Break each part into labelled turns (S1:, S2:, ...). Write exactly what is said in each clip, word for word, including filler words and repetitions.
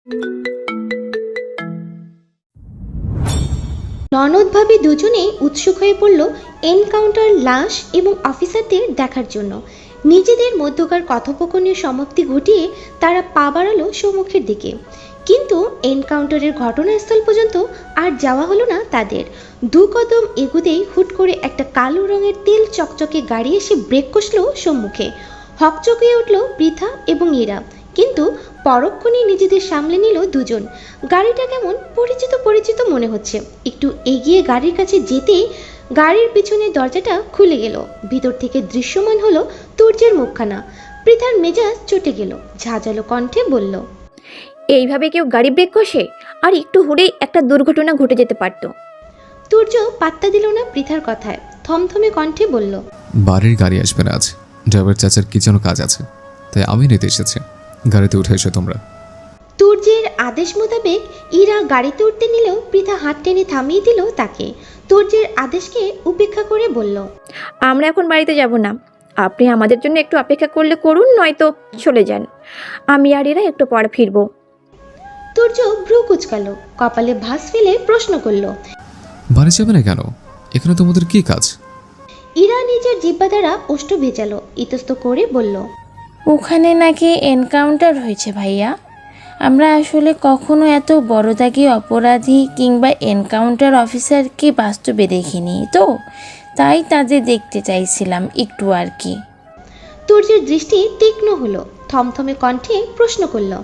S1: ননদ ভাবি দুজনেই উৎসুক হয়ে পড়ল এনকাউন্টার লাশ এবং অফিসারদের দেখার জন্য। নিজেদের মধ্যকার কথোপকথনের সমাপ্তি ঘটিয়ে তারা পা বাড়ালো সম্মুখের দিকে, কিন্তু এনকাউন্টারের ঘটনাস্থল পর্যন্ত আর যাওয়া হলো না তাদের। দু কদম এগুতেই হুট করে একটা কালো রঙের তেল চকচকে গাড়ি এসে ব্রেক কষল সম্মুখে। হকচকিয়ে উঠল পৃথা এবং ইরা, কিন্তু পরক্ষণেই নিজেদের সামলে নিল দুজন। গাড়িটা কেমন পরিচিত পরিচিত মনে হচ্ছে। একটু এগিয়ে গাড়ির কাছে যেতেই গাড়ির পিছনের দরজাটা খুলে গেল। ভিতর থেকে দৃশ্যমান হলো তুর্যের মুখখানা। পৃথার মেজাজ চটে গেল, ঝাঁঝালো কণ্ঠে বলল,
S2: এইভাবে কেউ গাড়ি ব্রেক কষে? আর একটু হলেই একটা দুর্ঘটনা ঘটে যেতে পারতো।
S1: তুর্য পাত্তা দিল না পৃথার কথায়, থমথমে কণ্ঠে বলল,
S3: বাড়ির গাড়ি আসবে না আজ, ড্রাইভার চাচার কি যেন কাজ আছে, তাই আমি নিতে এসেছি। গাড়িতে উঠে এসো তোমরা।
S1: তুর্যের আদেশ মোতাবেক ইরা গাড়িতে উঠতে নিলেও পৃথা হাত টেনে থামিয়ে দিল তাকে। তুর্যের আদেশকে উপেক্ষা করে বলল,
S2: আমরা এখন বাড়িতে যাব না, আপনি আমাদের জন্য একটু অপেক্ষা করলে করুন, নয়তো চলে যান। আমি আর এরা একটু পরে ফিরবো।
S1: তুর্য ভ্রু কুচকাল, কপালে ভাঁজ ফেলে প্রশ্ন করল,
S3: বাড়ি যাবে না কেন? এখানে তোমাদের কি কাজ?
S1: ইরা নিজের জিহ্বা দ্বারা ওষ্ঠ ভেজালো, ইতস্ত করে বলল,
S4: ওখানে নাকি এনকাউন্টার হয়েছে ভাইয়া। আমরা আসলে কখনো এত বড়দাগি অপরাধী কিংবা এনকাউন্টার অফিসারকে বাস্তবে দেখিনি তো, তাই তাদের দেখতে চাইছিলাম একটু আর কি।
S1: তুর্যের দৃষ্টি তীক্ষ্ণ হলো, থমথমে কণ্ঠে প্রশ্ন করল,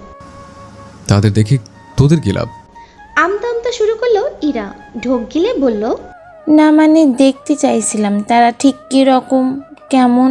S3: তাদের দেখে তোদের কি লাভ?
S1: আমতা আমতা শুরু করলো ইরা, ঢোক গিলে বলল,
S4: না মানে দেখতে চাইছিলাম তারা ঠিক কীরকম, কেমন।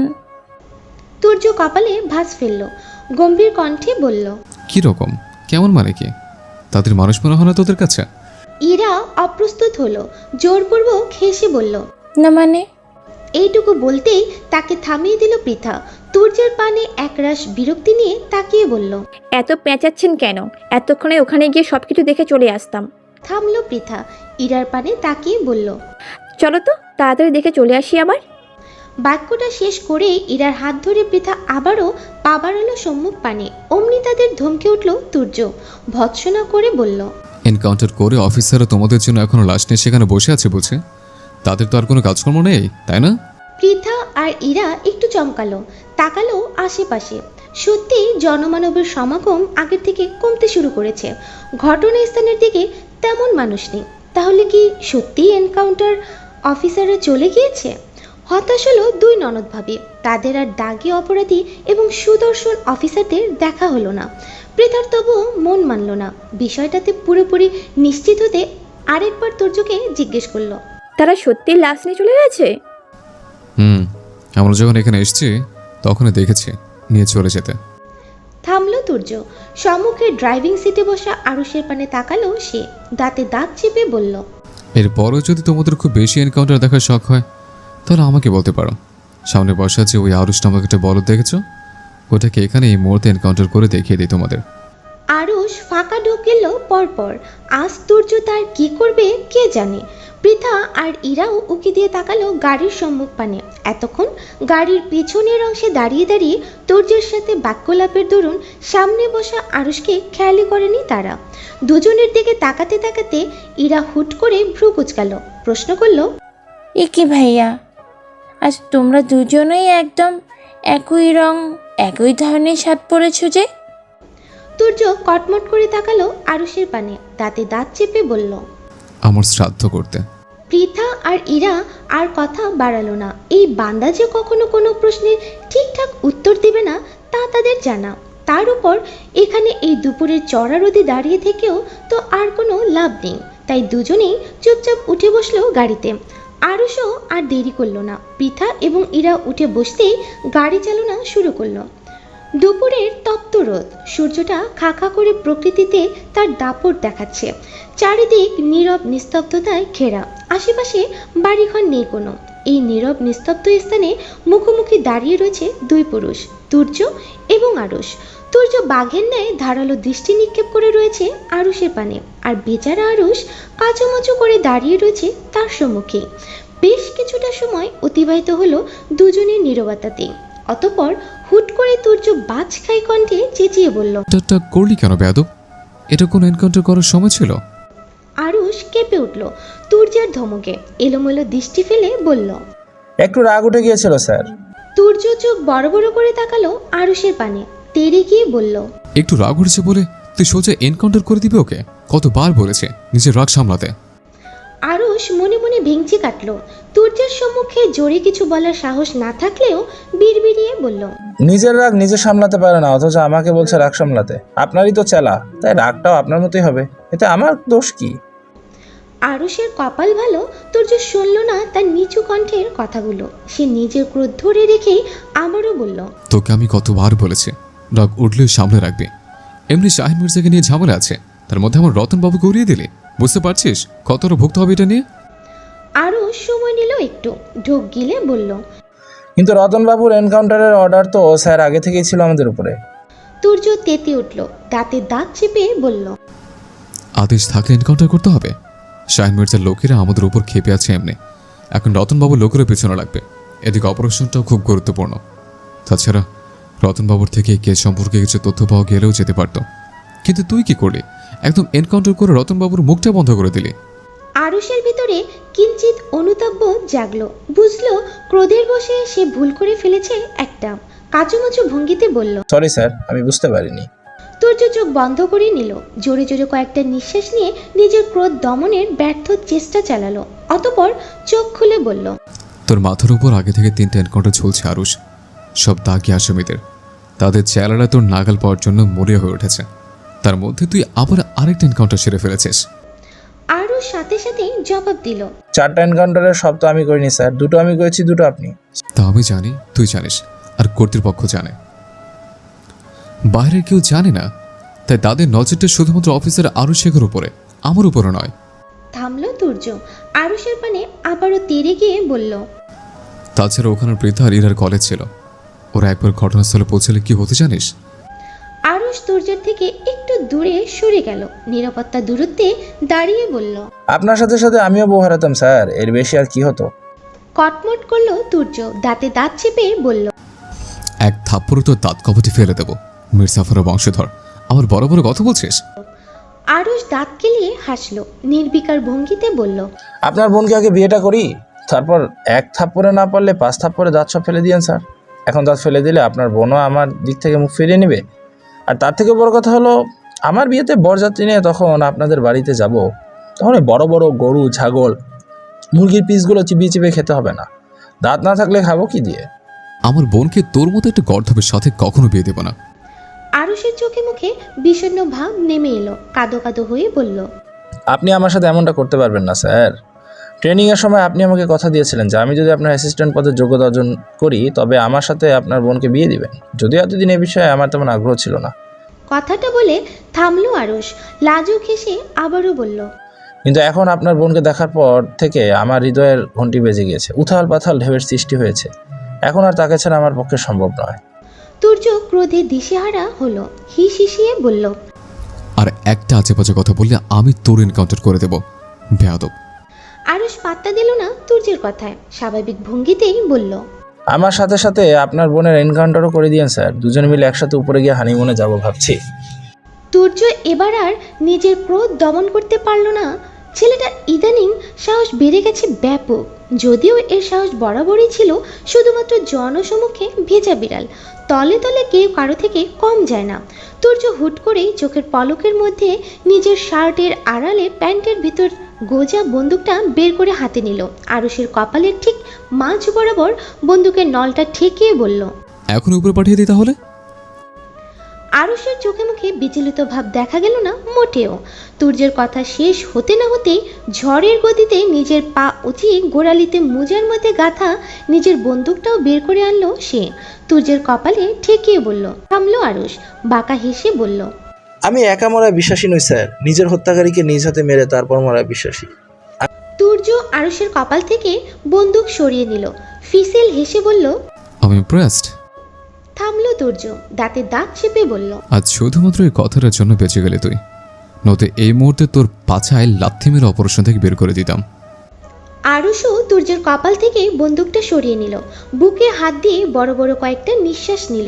S1: তুর্য কপালে ভাঁজ ফেলল, গম্ভীর কণ্ঠে বলল,
S3: কি রকম কেমন মানে কি? তাদের মানুষ মনে হয় না তোদের কাছে?
S1: ইরা অপ্রস্তুত হলো, জোরপূর্বক হেসে বলল,
S4: না মানে?
S1: এইটুকু বলতেই তাকে থামিয়ে দিল পৃথা। তুর্যের পানে একরাশ বিরক্তি নিয়ে তাকিয়ে বলল,
S2: এত পেঁচাচ্ছেন কেন? এতক্ষণে ওখানে গিয়ে সব কিছু দেখে চলে আসতাম।
S1: থামলো পৃথা, ইরার পানে তাকিয়ে বলল,
S2: চলো তো তাড়াতাড়ি দেখে চলে আসি আবার।
S1: বাক্যটা শেষ করে ইরার হাত ধরে পৃথা আবারও পা বাড়ালো সম্মুখ পানে। অমনি তাদের ধমকে উঠল তুর্য, ভৎসনা করে বলল,
S3: এনকাউন্টার করে অফিসাররা তোমাদের জন্য এখনো লাশ নিয়ে সেখানে বসে আছে বুঝে? তাদের তো আর কোনো কাজকর্ম নেই, তাই না?
S1: পৃথা আর ইরা একটু চমকালো, তাকালো আশেপাশে। সত্যি জনমানবের সমাগম আগের থেকে কমতে শুরু করেছে। ঘটনাস্থানের দিকে তেমন মানুষ নেই। তাহলে কি সত্যিই এনকাউন্টার অফিসাররা চলে গিয়েছে? হতাশ হলো দুই ননদ ভাবে। তাদের আর দাগি অপরাধী এবং সুদর্শন অফিসারদের দেখা হলো না। পৃথার তবু মন মানল না। বিষয়টাতে পুরোপুরি নিশ্চিত হতে আরেকবার তুর্যকে জিজ্ঞেস করলো,
S2: তারা সত্যি লাশ নিয়ে চলে গেছে?
S3: হুম, আমরা যখন এখানে এসেছি তখনই দেখেছি নিয়ে চলে যেতে।
S1: থামলো তুর্য। সম্মুখে ড্রাইভিং সিটে বসা আরুষের পানে তাকালো সে, দাঁতে দাঁত চেপে বলল,
S3: এরপরও যদি তোমাদের খুব বেশি এনকাউন্টার দেখার শখ হয় তাহলে আমাকে বলতে পারো। সামনে বসা যে ওই আরুষ নামক একটা বলদ দেখেছো, ওটাকে এখানে এই মুহূর্তে এনকাউন্টার করে দেখিয়ে দিই তোমাদের।
S1: আরুষ ফাঁকা ঢুকিল পরপর। আজ তুর্য তার কি করবে কে জানে। পৃথা আর ইরাও উকি দিয়ে তাকালো গাড়ির সম্মুখ পানে। এতক্ষণ গাড়ির পিছনের অংশে দাঁড়িয়ে দাঁড়িয়ে তুর্যের সাথে বাক্যলাপের দরুন সামনে বসা আরুষকে খেয়ালই করেনি তারা। দুজনের দিকে তাকাতে তাকাতে ইরা হুট করে ভ্রু কুচকাল, প্রশ্ন করল,
S4: এ কি ভাইয়া, আজ তোমরা দুজনেই একদম একই রং একই ধরনের শার্ট পরেছো যে?
S1: তুর্য কটমট করে তাকালো আরুষের পানে, দাঁতে দাঁত চেপে বলল,
S3: আমার শ্রাদ্ধ করতে।
S1: পৃথা আর ইরা আর কথা বাড়ালো না। এই বান্দা যে কখনো কোনো প্রশ্নের ঠিকঠাক উত্তর দেবে না তা তাদের জানা। তার উপর এখানে এই দুপুরের চড়া রোদে দাঁড়িয়ে থেকেও তো আর কোনো লাভ নেই। তাই দুজনেই চুপচাপ উঠে বসলো গাড়িতে। আরুষও আর দেরি করলো না। পৃথা এবং ইরা উঠে বসতেই গাড়ি চালনা শুরু করলো। দুপুরের তপ্ত রোদ, সূর্যটা খা খা করে প্রকৃতিতে তার দাপট দেখাচ্ছে। চারিদিক নীরব নিস্তব্ধতায় ঘেরা, আশেপাশে বাড়িঘর নেই কোনো। এই নীরব নিস্তব্ধ স্থানে মুখোমুখি দাঁড়িয়ে রয়েছে দুই পুরুষ, তুর্য এবং আরুষ। তুর্য বাঘের ন্যায় ধারালো দৃষ্টি নিক্ষেপ করে রয়েছে আরুষের পানে, আর বেচারা আরুষ কাচুমাচু করে দাঁড়িয়ে রয়েছে তার সম্মুখে। বেশ কিছুটা সময় অতিবাহিত হলো দুজনের নীরবতাতে। অতঃপর হুট করে তুর্য বাজ খাই কণ্ঠে চেঁচিয়ে বলল,
S3: এটা করলি কেন বেয়াদব? এটা কোনো এনকাউন্টার করার সময় ছিল?
S1: আরুষ কেঁপে উঠল তুর্যের ধমকে, এলোমেলো দৃষ্টি ফেলে বলল।
S5: একটু রাগ উঠে গিয়েছিল স্যার।
S1: তুর্য চোখ বড় বড় করে তাকালো আরুষের পানে, তেড়ে গিয়ে বলল।
S3: একটু রাগ উঠেছে বলে তুই সোজা এনকাউন্টার করে দিবি ওকে? কতবার বলেছে নিজের রাগ সামলাতে।
S1: আরুষ মনে মনে ভেঙচি কাটল। তুর্যের সম্মুখে জোরে কিছু বলার সাহস না থাকলেও বিড়বিড়িয়ে বলল।
S5: নিজের রাগ নিজে সামলাতে পারে না, অথচ আমাকে বলছে রাগ সামলাতে। আপনারই তো চেলা, তাই রাগটাও আপনার মতোই হবে। এতে আমার দোষ কি?
S1: আরুষের কপাল ভালো, তুর্য শুনল না তার নিচু কণ্ঠের কথাগুলো। সে নিজের ক্রোধ ধরে রেখেই আবারও বলল।
S3: তোকে আমি কতবার বলেছি রাগ উঠলেও সামলে রাখবি। এমনি শাহিন মির্জাকে নিয়ে ঝামেলা আছে, তার মধ্যে আমার রতনবাবুকে উড়িয়ে দিলি। বুঝতে পারছিস কতটা ভুগতে হবে এটা নিয়ে?
S1: আরুষ সময় নিল একটু, ঢোক গিলে বলল।
S5: কিন্তু রতনবাবুর এনকাউন্টারের অর্ডার তো স্যার আগে থেকেই ছিল আমাদের উপরে।
S1: তুর্য তেতে উঠল, দাঁতে দাঁত চেপে বলল।
S3: আদেশ থাকলে এনকাউন্টার করতে হবে। শাহিন মির্জার লোকেরা আমাদের উপর খেপে আছে এমনি, এখন রতনবাবুর লোকেরও পেছনে লাগবে। এদিকে অপারেশনটাও খুব গুরুত্বপূর্ণ। তাছাড়া রতনবাবুর থেকে এই কেস সম্পর্কে কিছু তথ্য পাওয়া গেলেও যেতে পারত। কিন্তু তুই কি করলি? একদম এনকাউন্টার করে রতনবাবুর মুখটা বন্ধ করে দিলি।
S1: আরুষের ভিতরে কিঞ্চিত অনুতাপ্য জাগলো। বুঝলো ক্রোধের বশে সে ভুল করে ফেলেছে একটা। কাচুমাচু ভঙ্গিতে বলল।
S5: সরি স্যার, আমি বুঝতে পারিনি।
S1: তুর্য চোখ বন্ধ করে নিল, জোরে জোরে কয়েকটা নিঃশ্বাস নিয়ে নিজের ক্রোধ দমনের ব্যর্থ চেষ্টা চালালো। অতঃপর চোখ খুলে বলল।
S3: তোর মাথার উপর আগে থেকে তিনটে এনকাউন্টার চলছে আরুষ, সব দাগি আসামিদের। তাদের চেহারা তোর নাগাল পাওয়ার জন্য মরিয়া হয়ে উঠেছে। তার মধ্যে তুই আবার আরেকটা এনকাউন্টার সেরে ফেলেছিস।
S1: আরুষ সাথে সাথে জবাব দিল।
S5: চারটা এনকাউন্টারের সব তো আমি করিনি স্যার, দুটো আমি করেছি, দুটো আপনি।
S3: তা আমি জানি, তুই জানিস, আর কর্তৃপক্ষ জানে। বাইরের কেউ জানে না, তাই তাদের নজরটা শুধুমাত্র অফিসার আরুষ শেখের উপরে, আমার উপরে নয়।
S1: থামলো তুর্য, আরুষের পানে আবারও তেড়ে গিয়ে বলল।
S3: তাছাড়া ওখানে বৃদ্ধা আর ইরার কলেজ ছিল। ওরা একবার ঘটনাস্থলে পৌঁছলে কি হতে জানিস?
S1: আরুষ তুর্যের থেকে একটু দূরে সরে গেল, নিরাপত্তা দূরত্বে দাঁড়িয়ে বলল।
S5: আপনার সাথে সাথে আমিও বউ হারাতাম স্যার, এর বেশি আর কি হতো?
S1: কটমট করলো তুর্য, দাঁতে দাঁত চেপে বলল।
S3: এক থাপ্পড়ে তো দাঁত কপাটি ফেলে দেবো। মির্জাফরের বংশধর, আমার বড় বড় কথা বলছিস?
S1: আরুষ দাঁত কেলিয়ে হাসলো, নির্বিকার ভঙ্গিতে বলল।
S5: আপনার বোনকে আগে বিয়েটা করি, তারপর এক থাপ্পড়ে না পারলে পাঁচ থাপ্পড়ে দাঁত সব ফেলে দিয়েন স্যার। এখন দাঁত ফেলে দিলে আপনার বোনও আমার দিক থেকে মুখ ফিরিয়ে নেবে। আর তার থেকে বড় কথা হলো, আমার বিয়েতে বরযাত্রী নিয়ে তখন আপনাদের বাড়িতে যাব, তখন ওই বড় বড় গরু, ছাগল, মুরগির পিসগুলো চিবিয়ে চিবিয়ে খেতে হবে না। দাঁত না থাকলে খাবো কি দিয়ে?
S3: আমার বোনকে তোর মতো একটা গর্ধবের সাথে কখনো বিয়ে দেব না।
S1: আরুষের চোখে মুখে বিষণ্ণ ভাব নেমে এলো, কাদো কাদো হয়ে বলল।
S5: আপনি আমার সাথে এমনটা করতে পারবেন না স্যার। ট্রেনিংয়ের সময় আপনি আমাকে কথা দিয়েছিলেন যে আমি যদি আপনার অ্যাসিস্ট্যান্ট পদের যোগ্যতা অর্জন করি তবে আমার সাথে আপনার বোনকে বিয়ে দিবেন। যদিও এতদিন এ বিষয়ে আমার তেমন আগ্রহ ছিল না।
S1: কথাটা বলে থামলো আরুষ, লাজুক হেসে আবারও বলল।
S5: কিন্তু এখন আপনার বোনকে দেখার পর থেকে আমার হৃদয়ের ঘন্টি বেজে গিয়েছে, উথাল পাথাল ঢেউয়ের সৃষ্টি হয়েছে। এখন আর তাকে ছাড়া আমার পক্ষে সম্ভব নয়।
S1: তুর্য ক্রোধে দিশেহারা হলো, হিস হিসিয়ে বলল।
S3: আর একটা আজেবাজে কথা বললে আমি তোর এনকাউন্টার করে দেব, বেয়াদব।
S1: আরুষ পাত্তা দিল না তুর্যের কথায়, স্বাভাবিক ভঙ্গিতেই বলল।
S5: আমার সাথে সাথে আপনার বোনের এনকাউন্টারও করে দিয়েন স্যার, দুজনে মিলে একসাথে উপরে গিয়ে হানিমুনে যাব ভাবছি।
S1: তুর্য এবার আর নিজের ক্রোধ দমন করতে পারল না। ছেলেটার ইদানিং সাহস বেড়ে গেছে ব্যাপক। যদিও এর সাহস বরাবরই ছিল, শুধুমাত্র জনসমক্ষে ভেজা বিড়াল, তলে তলে কেউ কারো থেকে কম যায় না। তুর্য হুট করেই চোখের পলকের মধ্যে নিজের শার্টের আড়ালে প্যান্টের ভিতর গোজা বন্দুকটা বের করে হাতে নিল। আরুষের কপালের ঠিক মাঝ বরাবর বন্দুকের নলটা ঠেকিয়ে বলল।
S3: এখন উপরে পাঠিয়ে দিই তাহলে?
S1: আরুষের চোখে মুখে বিচলিত ভাব দেখা গেল না মোটেও। তুর্যের কথা শেষ হতে না হতেই ঝড়ের গতিতে নিজের পা উঁচিয়ে গোড়ালিতে মোজার মধ্যে গাঁথা নিজের বন্দুকটাও বের করে আনলো সে। তুর্যের কপালে ঠেকিয়ে বলল। থামলো আরুষ, বাঁকা হেসে বলল।
S5: আমি একা মরায় বিশ্বাসী নই স্যার, নিজের হত্যাকারীকে নিজ হাতে মেরে তারপর মরায় বিশ্বাসী।
S1: তুর্য আরুষের কপাল থেকে বন্দুক সরিয়ে নিল, ফিসেল হেসে বলল।
S3: আমি ইমপ্রেসড।
S1: থামলো তুর্য, দাঁতে দাঁত চেপে বলল।
S3: আজ শুধুমাত্র এই কথাটার জন্য বেঁচে গেলে তুই, নয়তো এই মুহূর্তে তোর পাছায় লাথি মেরে অপারেশন থেকে বের করে দিতাম।
S1: আরুষও তুর্যের কপাল থেকে বন্দুকটা সরিয়ে নিল, বুকে হাত দিয়ে বড় বড় কয়েকটা নিঃশ্বাস নিল।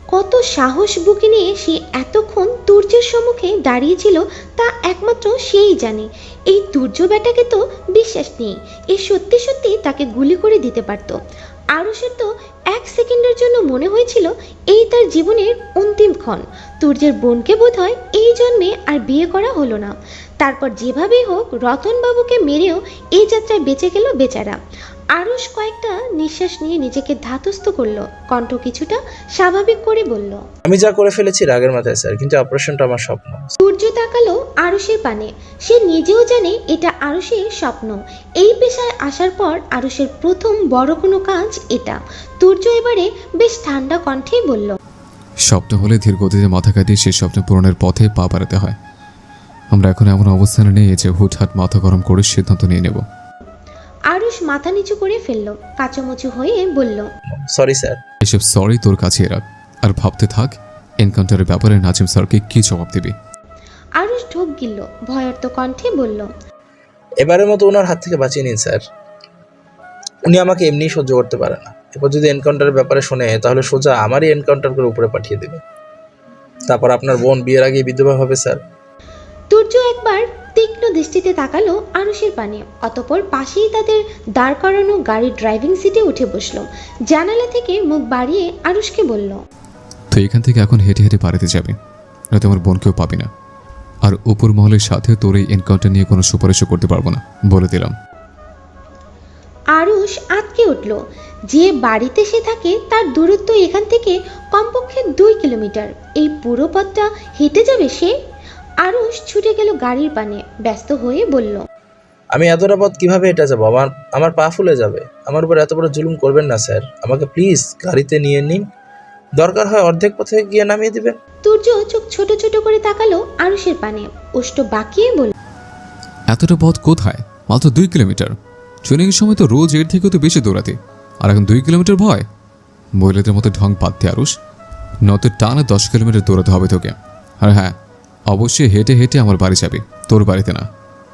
S1: কত সাহস বুকে নিয়ে সে এতক্ষণ তুর্যের সম্মুখে দাঁড়িয়েছিল তা একমাত্র সেই জানে। এই তুর্য বেটাকে তো বিশ্বাস নেই, এ সত্যি সত্যি তাকে গুলি করে দিতে পারত। আরুষের তো এক সেকেন্ডের জন্য মনে হয়েছিল এই তার জীবনের অন্তিম ক্ষণ। তুর্যের বোনকে বোধ হয় এই জন্মে আর বিয়ে করা হলো না। তারপর যেভাবেই হোক রতনবাবুকে মেরেও এই যাত্রায় বেঁচে গেল বেচারা। আরুষ কয়েকটা নিঃশ্বাস নিয়ে নিজেকে ধাতস্থ করলো, কণ্ঠ কিছুটা স্বাভাবিক করে বলল,
S5: আমি যা করে ফেলেছি রাগের মাথায় স্যার, কিন্তু অপারেশনটা আমার স্বপ্ন।
S1: সূর্য তাকালো আরুষের পানে। সে নিজেও জানে এটা আরুষের স্বপ্ন। এই পেশায় আসার পর আরুষের প্রথম বড় কোনো কাজ এটা। তুর্য এবারে বেশ ঠান্ডা কণ্ঠেই বলল,
S3: স্বপ্ন হলে ধীর গতিতে মাথা কাটিয়ে সেই স্বপ্ন পূরণের পথে পা বাড়াতে হয়। আমরা এখন এমন অবস্থানে নেই যে হুটহাট মাথা গরম করে সিদ্ধান্ত নিয়ে নেব।
S1: আরুষ মাথা নিচু করে ফেলল, কাচুমুচু হয়ে বলল,
S5: সরি স্যার।
S3: এসব সরি তোর কাছে রাখ, আর ভাবতে থাক এনকাউন্টারের ব্যাপারে নাজিম স্যারকে কি জবাব দিবি।
S1: আরুষ ঢোক গিলল, ভয়ার্ত কণ্ঠে বলল,
S5: এবারের মতো ওনার হাত থেকে বাঁচিয়ে নিন স্যার, উনি আমাকে এমনিই সহ্য করতে পারে না। এরপর যদি এনকাউন্টারের ব্যাপারে শোনে তাহলে সোজা আমারই এনকাউন্টার করে উপরে পাঠিয়ে দেবে। তারপর আপনার বোন বিয়ের আগে বিধবা হবে স্যার।
S1: তুর্য একবার তীক্ষ্ণ দৃষ্টিতে তাকালো আরুষের পানে, অতঃপর পাশেই তাদের দাঁড় করানো গাড়ির ড্রাইভিং সিটে উঠে বসলো। জানালা থেকে মুখ বাড়িয়ে আরুষকে বলল,
S3: তো এখান থেকে এখন হেঁটে হেঁটে বাড়িতে যাবে, নয়তো আমার বোনকেও পাবি না। আর উপর মহলের সাথে তোর এই এনকাউন্টার নিয়ে কোনো সুপারিশও করতে পারবো না, বলে দিলাম।
S1: আরুষ আটকে উঠল। যে বাড়িতে সে থাকে তার দূরত্ব এখান থেকে কমপক্ষে দুই কিলোমিটার। এই পুরো পথটা হেঁটে যাবে সে? আরুষ ছুটে গেল গাড়ির পানে, ব্যস্ত হয়ে বলল,
S5: আমি এতটা পথ কিভাবে এটা যাবো? আমার আমার পা ফুলে যাবে। আমার উপর এত বড় জুলুম করবেন না স্যার, আমাকে প্লিজ গাড়িতে নিয়ে নিন, দরকার হয় অর্ধেক পথে গিয়ে নামিয়ে দিবেন।
S1: তুর্য চোখ ছোট ছোট করে তাকালো আরুষের পানে, ওষ্ঠ বাঁকিয়ে বলল,
S3: এতটা পথ কোথায়? মাত্র দুই কিলোমিটার। ট্রেনিংয়ের সময় তো রোজ এর থেকেও তো বেশি দৌড়াতে, আর এখন দুই কিলোমিটার ভয়? মহিলাদের মতো ঢং বাদ দিয়ে আরুষ, নয়তো টানা দশ কিলোমিটার দৌড়াতে হবে তোকে। আর হ্যাঁ, অবশ্যই হেঁটে হেঁটে আমার বাড়ি যাবে, তোর বাড়িতে না।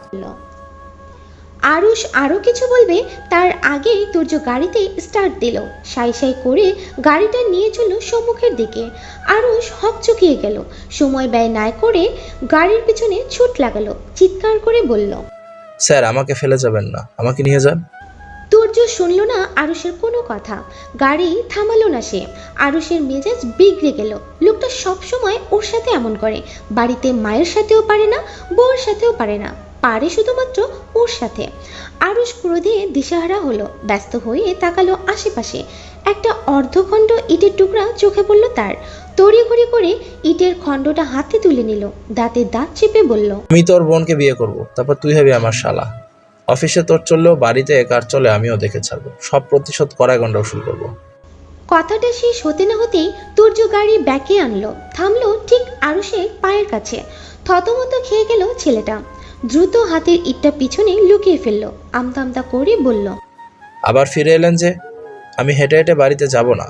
S1: আরুষ আরো কিছু বলবে তার আগেই তুর্য গাড়িতে স্টার্ট দিল। সাই সাই করে গাড়িটা নিয়ে চলল সম্মুখের দিকে। আরুষ হকচকিয়ে গেল, সময় ব্যয় না করে গাড়ির পিছনে ছুট লাগালো, চিৎকার করে বলল,
S5: স্যার আমাকে ফেলে যাবেন না, আমাকে নিয়ে যান।
S1: তুর্য শুনল না আরুষের কোনো কথা, গাড়ি থামালো না সে। আরুষের মেজাজ বিগড়ে গেল। লোকটা সব সময় ওর সাথে এমন করে, বাড়িতে মায়ের সাথেও পারে না, বউয়ের সাথেও পারে না, পারে শুধুমাত্র ওর সাথে। আরুষ ক্রোধে দিশাহারা হলো, ব্যস্ত হয়ে তাকালো আশেপাশে। একটা অর্ধখণ্ড ইটের টুকরা চোখে পড়ল তার। তড়িঘড়ি করে ইটের খণ্ডটা হাতে তুলে নিল, দাঁতে দাঁত চেপে বলল,
S5: আমি তোর বোনকে বিয়ে করব, তারপর তুই হবি আমার শালা। অফিসে তোর চললেও বাড়িতে কার চলে আমিও দেখে ছাড়বো, সব প্রতিশোধ কড়ায় গন্ডা উসুল করবো।
S1: কথাটা শেষ হতে না হতেই তুর্য গাড়ি ব্যাকে আনলো, থামলো ঠিক আরুষের পায়ের কাছে। থতমত খেয়ে গেল ছেলেটা, দ্রুত হাতের ইটটা পিছনে লুকিয়ে ফেললো, আমতা আমতা করে বলল,
S5: আবার ফিরে এলেন যে? আমি হেঁটে হেঁটে বাড়িতে যাব না।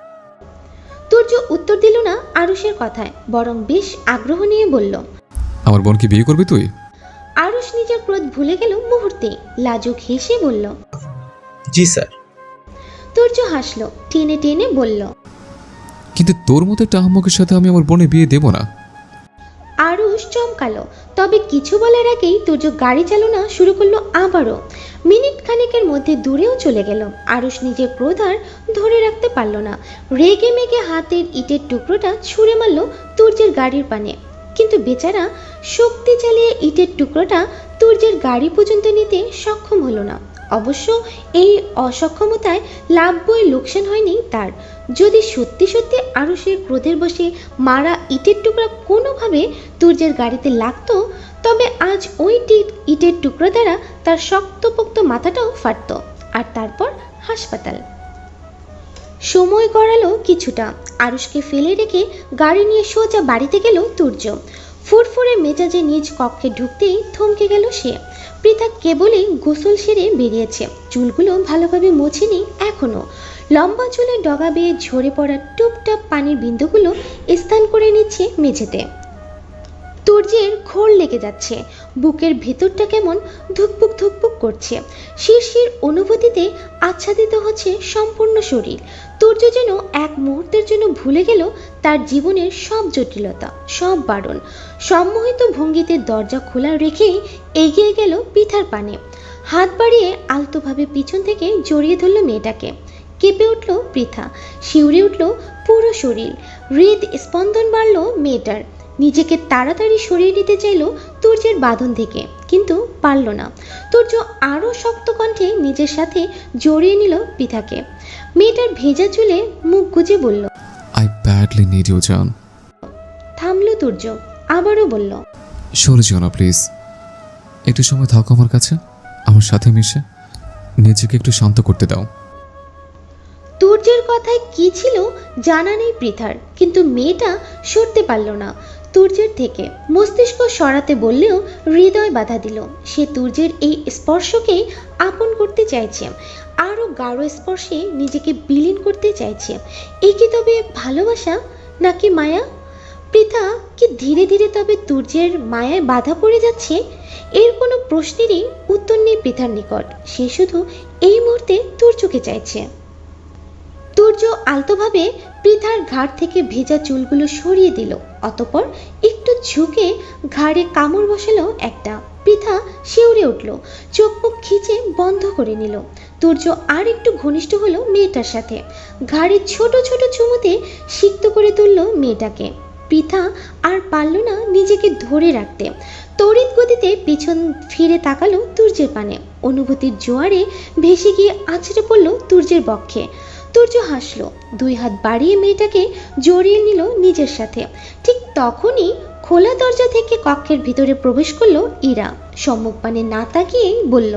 S1: তুর্য উত্তর দিল না আরুষের কথায়, বরং বেশ আগ্রহ নিয়ে বলল,
S3: আমার বোনকে বিয়ে করবি তুই?
S1: আরুষ নিজের ক্রোধ ভুলে গেল মুহূর্তে, লাজুক হেসে বলল,
S5: জি স্যার।
S1: তুর্য হাসলো, টেনে টেনে বলল,
S3: কিন্তু তোর মতো একটা আহম্মকের সাথে আমি আমার বোনের বিয়ে দেবো না।
S1: আরুষ চমকালো, তবে কিছু বলার আগেই তুর্য গাড়ি চালনা শুরু করলো আবারও। মিনিট খানেকের মধ্যে দূরেও চলে গেল। আরুষ নিজের ক্রোধ আর ধরে রাখতে পারল না, রেগে মেগে হাতের ইটের টুকরোটা ছুঁড়ে মারল তুর্যের গাড়ির পানে। কিন্তু বেচারা শক্তি চালিয়ে ইটের টুকরোটা তুর্যের গাড়ি পর্যন্ত নিতে সক্ষম হলো না। অবশ্য এই অসক্ষমতায় লাভ বই লোকসান হয়নি তার। যদি সত্যি সত্যি আরুষের ক্রোধের বশে মারা ইটের টুকরা কোনোভাবে তুর্যের গাড়িতে লাগতো, তবে আজ ওই ইটের টুকরো দ্বারা তার শক্তপোক্ত মাথাটাও ফাটত, আর তারপর হাসপাতাল। সময় গড়ালো কিছুটা। আরুষকে ফেলে রেখে গাড়ি নিয়ে সোজা বাড়িতে গেল তুর্য। ফুরফুরে মেজাজে নিজ কক্ষে ঢুকতেই থমকে গেল সে। পৃথা কেবলই গোসল সেরে বেরিয়েছে, চুলগুলো ভালোভাবে মোছেনি এখনো। লম্বা চুলের ডগা বেয়ে ঝরে পড়া টুপটাপ পানির বিন্দুগুলো স্নান করে নিচ্ছে মেঝেতে। তুর্যের ঘোর লেগে যাচ্ছে, বুকের ভেতরটা কেমন ধুকপুক ধুকপুক করছে, শিরশির অনুভূতিতে আচ্ছাদিত হচ্ছে সম্পূর্ণ শরীর। তুর্য যেন এক মুহূর্তের জন্য ভুলে গেল তার জীবনের সব জটিলতা, সব বারণ। সম্মোহিত ভঙ্গিতে দরজা খোলা রেখেই এগিয়ে গেল পৃথার পানে, হাত বাড়িয়ে আলতোভাবে পিছন থেকে জড়িয়ে ধরল মেয়েটাকে। কেঁপে উঠল পৃথা, শিউরে উঠল পুরো শরীর, হৃদ স্পন্দন বাড়ল মেয়েটার। নিজেকে তাড়াতাড়ি সরিয়ে নিতে চাইল তুর্যের বাঁধন থেকে, কিন্তু পারল না। তুর্য আরও শক্ত কণ্ঠে নিজের সাথে জড়িয়ে নিল পৃথাকে। মেয়েটার ভেজা চুলে মুখ গুজে বলল,
S3: আই ব্যাডলি নিড ইউ জান।
S1: থামল তুর্য, আবারও বলল,
S3: সরে যেও না প্লিজ, একটু সময় থাকো আমার কাছে, আমার সাথে মিশে নিজেকে একটু শান্ত করতে দাও।
S1: তুর্যের কথায় কি ছিল জানা নেই পৃথার, কিন্তু মেয়েটা সরতে পারল না তুর্যের থেকে। মস্তিষ্ক সরাতে বললেও হৃদয় বাধা দিল। সে তুর্যের এই স্পর্শকেই আপন করতে চাইছে, আরও গাঢ় স্পর্শে নিজেকে বিলীন করতে চাইছে। এ কি তবে ভালোবাসা নাকি মায়া? পৃথা কি ধীরে ধীরে তবে তুর্যের মায়ায় বাধা পড়ে যাচ্ছে? এর কোনো প্রশ্নেরই উত্তর নেই পৃথার নিকট। সে শুধু এই মুহূর্তে তুর্যকে চাইছে। তুর্য আলতোভাবে পৃথার ঘাড় থেকে ভেজা চুলগুলো সরিয়ে দিল, অতঃপর একটু ঝুঁকে ঘাড়ে কামড় বসালো একটা। পৃথা শিউরে উঠল, চোখ মুখ খিচে বন্ধ করে নিল। তুর্য আর একটু ঘনিষ্ঠ হলো মেয়েটার সাথে, ঘাড়ে ছোট ছোট চুমুতে সিক্ত করে তুলল মেয়েটাকে। পৃথা আর পারল না নিজেকে ধরে রাখতে, তড়িৎ গতিতে পিছন ফিরে তাকালো তুর্যের পানে। অনুভূতির জোয়ারে ভেসে গিয়ে আছড়ে পড়ল তুর্যের বক্ষে। তুর্য হাসলো, দুই হাত বাড়িয়ে মেয়েটাকে জড়িয়ে নিল নিজের সাথে। ঠিক তখনই খোলা দরজা থেকে কক্ষের ভিতরে প্রবেশ করলো ইরা। সম্মুখ পানে না তাকিয়েই বলল,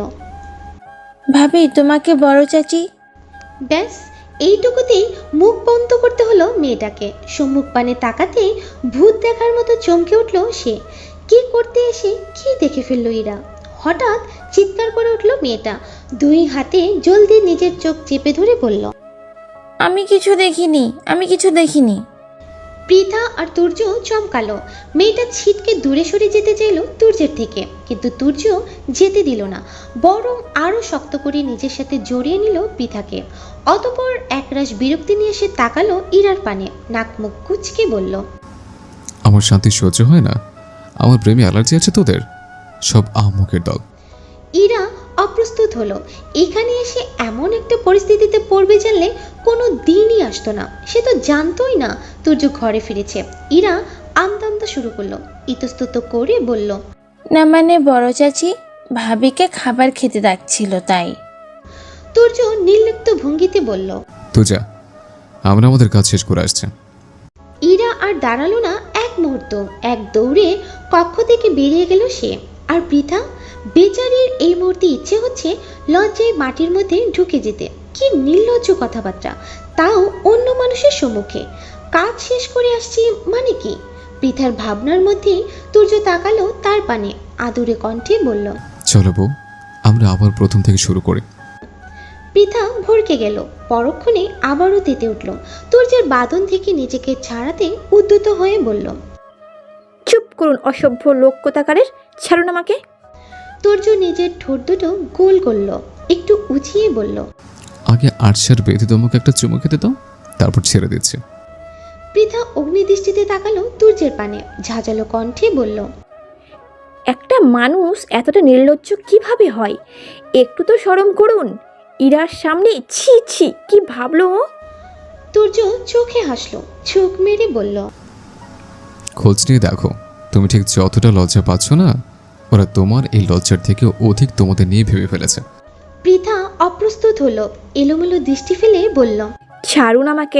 S4: ভাবি তোমাকে বড় চাচি।
S1: ব্যাস এইটুকুতেই মুখ বন্ধ করতে হলো মেয়েটাকে। সম্মুখ পানে তাকাতেই ভূত দেখার মতো চমকে উঠল সে। কি করতে এসে কি দেখে ফেললো ইরা? হঠাৎ চিৎকার করে উঠল মেয়েটা, দুই হাতে জলদি নিজের চোখ চেপে ধরে বলল,
S4: আমি কিছু দেখিনি, আমি কিছু দেখিনি।
S1: পৃথা আর তুর্য চমকালো। মেয়েটা ছিটকে দূরে সরে যেতে চাইল তুর্যের থেকে, কিন্তু তুর্য যেতে দিল না, বরং আরও শক্ত করে নিজের সাথে জড়িয়ে নিল পৃথাকে। অতঃপর একরাশ বিরক্তি নিয়ে সে তাকালো ইরার পানে, নাক মুখ কুচকে বলল,
S3: আমার শান্তি সহ্য হয় না, আমার প্রেমে অ্যালার্জি আছে তোদের, সব আহমকের দল।
S1: ইরা অপ্রস্তুত হলো। এখানে এসে এমন একটা পরিস্থিতিতে পড়বে জানলে কোনো দিনই আসতো না। সে তো জানতোই না তুর্য ঘরে ফিরেছে। ইরা আমতা আমতা শুরু করলো, ইতস্তত করে বলল,
S4: না মানে বড় চাচি ভাবিকে খাবার খেতে ডাকছিল তাই।
S1: তুর্য নির্লিপ্ত ভঙ্গিতে বলল,
S3: তো যা, আমরা আমাদের কাজ শেষ করে আসছে।
S1: ইরা আর দাঁড়ালো না এক মুহূর্ত, এক দৌড়ে কক্ষ থেকে বেরিয়ে গেল সে। আর পৃথা বেচারির এই মুহূর্তে ইচ্ছে হচ্ছে লজ্জায় মাটির মধ্যে ঢুকে যেতে। কি নির্লজ্জ কথাবার্তা, তাও অন্য মানুষের সম্মুখে। কাজ শেষ করে আসছি মানে কি? পৃথার ভাবনার মধ্যেই তুর্য তাকালো তার পানে, আদুরে কণ্ঠে বলল,
S3: চলো বউ, আমরা আবার প্রথম থেকে শুরু করি।
S1: পৃথা ভরকে গেল, পরক্ষণে আবারও তেতে উঠল। তুর্যের বাঁধন থেকে নিজেকে ছাড়াতে উদ্যত হয়ে বলল,
S2: চুপ করুন অসভ্য লোক কোথাকারের, ছাড়ুন আমাকে।
S1: তুর্য নিজের ঠোঁট দুটো গোল করল, একটু উঁচিয়ে বলল,
S3: আগে আটশার বেঁধে তোমাকে একটা চুমু খেতে দাও, তারপর ছেড়ে দিচ্ছে।
S1: পৃথা অগ্নিদৃষ্টিতে তাকালো তুর্যের পানে, ঝাঁঝালো কণ্ঠে বলল,
S2: একটা মানুষ এতটা নির্লজ্জ কিভাবে হয়? একটু তো শরম করুন। ইরার সামনে ছি ছি, কি ভাবলো ও?
S1: তুর্য চোখে হাসলো, চোখ মেরে বলল,
S3: খোঁজ নিয়ে দেখো, তুমি ঠিক যতটা লজ্জা পাচ্ছ না, ওরা তোমার এই লজ্জার থেকে অধিক তোমাদের নিয়ে ভেবে ফেলেছে।
S1: পৃথা অপ্রস্তুত হলো, এলোমেলো দৃষ্টি ফেলে বলল,
S2: ছাড়ুন আমাকে।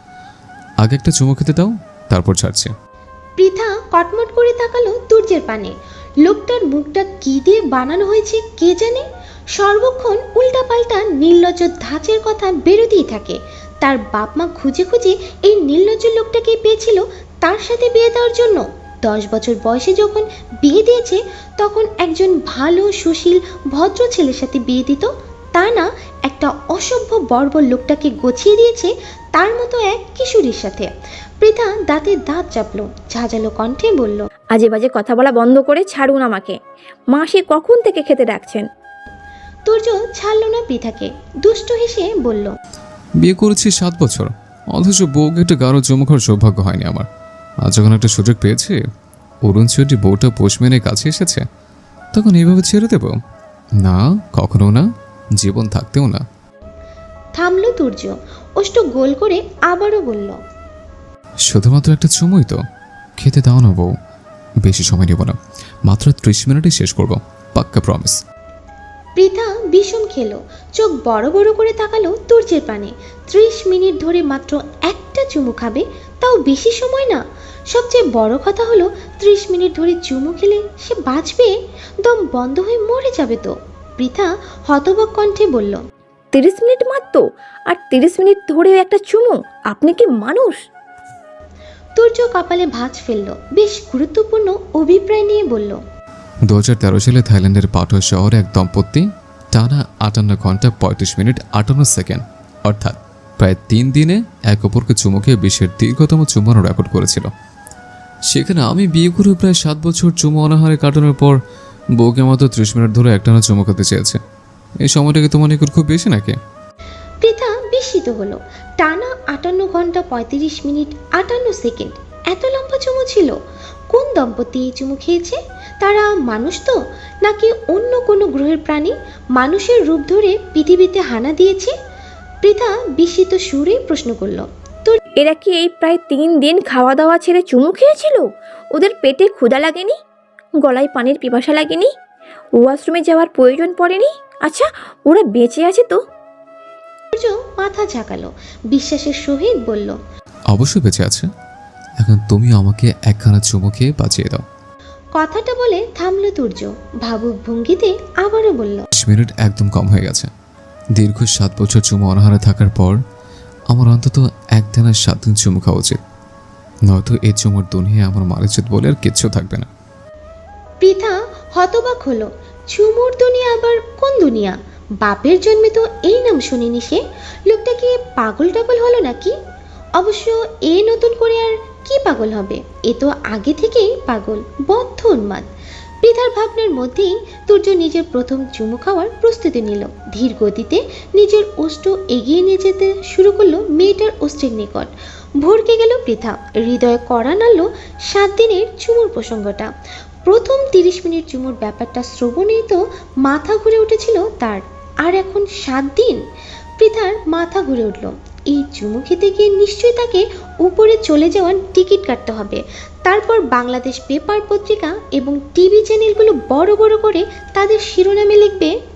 S3: আগে একটা চুমু খেতে দাও, তারপর ছাড়ছে।
S1: পৃথা কটমট করে তাকালো তুর্যের পানে। লোকটার মুখটা কি দিয়ে বানানো হয়েছে কে জানে। সর্বক্ষণ উল্টাপাল্টা নির্লজ্জ ধাঁচের কথা বেরোতেই থাকে। তার বাপ মা খুঁজে খুঁজে এই নির্লজ্জ লোকটাকে পেয়েছিল তার সাথে বিয়ে দেওয়ার জন্য। দশ বছর বয়সে যখন বিয়ে দিয়েছে, তখন একজন ভালো সুশীল ভদ্র ছেলের সাথে বিয়ে দিত, তা না একটা অসভ্য বর্বর লোকটাকে গছিয়ে দিয়েছে তার মতো এক কিশোরীর সাথে। পৃথা দাঁতে দাঁত চাপলো, ঝাঁঝালো কণ্ঠে বলল,
S2: আজে বাজে কথা বলা বন্ধ করে ছাড়ুন আমাকে। মাসি কখন থেকে খেতে ডাকছেন?
S1: তুর্য ছাড়ল না পৃথাকে, দুষ্ট হেসে বলল,
S3: বিয়ে করেছি সাত বছর, অথচ বউকে একটা গাঢ় চুমু খাওয়ার সৌভাগ্য হয়নি আমার। আজ যখন একটা সুযোগ পেয়েছি, অরুণ চৌধুরী বউটা পোষ মেনে কাছে এসেছে, তখন এইভাবে ছেড়ে দেব? না, কখনো না, জীবন থাকতেও না।
S1: থামলো তুর্য, ওষ্ঠ গোল করে আবারও বলল,
S3: শুধুমাত্র একটা চুমুই তো, খেতে দাও না বউ। বেশি সময় নেব না, মাত্র ত্রিশ মিনিটই শেষ করব, পাক্কা প্রমিস।
S1: পৃথা বিষম খেলো, চোখ বড় বড় করে তাকালো তুর্যের পানে। ত্রিশ মিনিট ধরে মাত্র একটা চুমু খাবে, তাও বেশি সময় না। সবচেয়ে বড় কথা হলো, ত্রিশ মিনিট ধরে চুমু খেলে সে বাঁচবে? দম বন্ধ হয়ে মরে যাবে তো। পৃথা হতবাক কণ্ঠে বলল,
S2: তিরিশ মিনিট মাত্র? আর তিরিশ মিনিট ধরেও একটা চুমু? আপনি কি মানুষ?
S1: তুর্য কপালে ভাঁজ ফেললো, বেশ গুরুত্বপূর্ণ অভিপ্রায় নিয়ে বলল,
S3: দু হাজার তেরো সালে থাইল্যান্ডের পাটোয়া শহরে এক দম্পতি টানা আটান্ন ঘন্টা পঁয়ত্রিশ মিনিট আটান্ন সেকেন্ড অর্থাৎ প্রায় তিন দিনে এক অপরকে চুমু খেয়ে বিশ্বের দীর্ঘতম চুমানো রেকর্ড করেছিল। সেখানে আমি বিয়ে করে প্রায় সাত বছর চুমু অনাহারে কাটানোর পর বউকে মাত্র ত্রিশ মিনিট ধরে একটানা চুমু খেতে চেয়েছে। এই সময়টাকে তোমার নিকট খুব বেশি নাকি?
S1: পৃথা বিস্মিত হলো। টানা আটান্ন ঘন্টা পঁয়ত্রিশ মিনিট আটান্ন সেকেন্ড, এত লম্বা চুমু ছিল? কোন দম্পতি এই চুমু খেয়েছে? তারা মানুষ তো, নাকি অন্য কোনো গ্রহের প্রাণী মানুষের রূপ ধরে পৃথিবীতে হানা দিয়েছে? পৃথা বিস্মিত সুরেই প্রশ্ন করল,
S2: এরা কি এই প্রায় তিন দিন খাওয়া দাওয়া ছেড়ে চুমু খেয়েছিল? ওদের পেটে ক্ষুধা লাগেনি? গলায় পানির পিপাসা লাগেনি? ওয়াশরুমে যাওয়ার প্রয়োজন পড়েনি? আচ্ছা, ওরা বেঁচে আছে তো?
S1: সূর্য মাথা ঝাঁকালো, বিশ্বাসের সহিত বলল,
S3: অবশ্যই বেঁচে আছে। এখন তুমি আমাকে একখানা চুমু খেয়ে বাঁচিয়ে দাও।
S1: কথাটা বলে থামলো তুর্য, ভাবুক ভঙ্গিতে আবারও বলল,
S3: বিশ মিনিট একদম কম হয়ে গেছে। দীর্ঘ সাত বছর চুমু অনাহারে থাকার পর আমার অন্তত এক দিনের সাত দিন চুমু খাওয়া উচিত, নয়তো এই চুমুর দুনিয়ায় আমার মালিচিত বলে আর কিচ্ছু থাকবে না।
S1: পৃথা হতবাক হলো, চুমুর দুনিয়া আবার কোন দুনিয়া? বাপের জন্মে তো এই নাম শুনিনি সে। লোকটা কি পাগল টাগল হলো নাকি? অবশ্য এ নতুন করে আর কি পাগল হবে, এ তো আগে থেকেই পাগল, বদ্ধ উন্মাদ। পৃথার ভাবনার মধ্যেই তুর্য নিজের প্রথম চুমু খাওয়ার প্রস্তুতি নিল। ধীর গতিতে নিজের ওষ্ঠ এগিয়ে নিয়ে যেতে শুরু করলো মেয়েটার ওষ্ঠের নিকট। ভরকে গেল পৃথা, হৃদয়ে কড়া নাড়ল সাত দিনের চুমুর প্রসঙ্গটা। প্রথম তিরিশ মিনিট চুমুর ব্যাপারটা শ্রবণেই তো মাথা ঘুরে উঠেছিল তার, আর এখন সাত দিন? পৃথার মাথা ঘুরে উঠল। এই চুমু খেতে গিয়ে নিশ্চয়ই তাকে উপরে চলে যাওয়ার টিকিট কাটতে হবে। তারপর বাংলাদেশ পেপার পত্রিকা এবং টিভি চ্যানেলগুলো বড় বড় করে তাদের শিরোনামে লিখবে,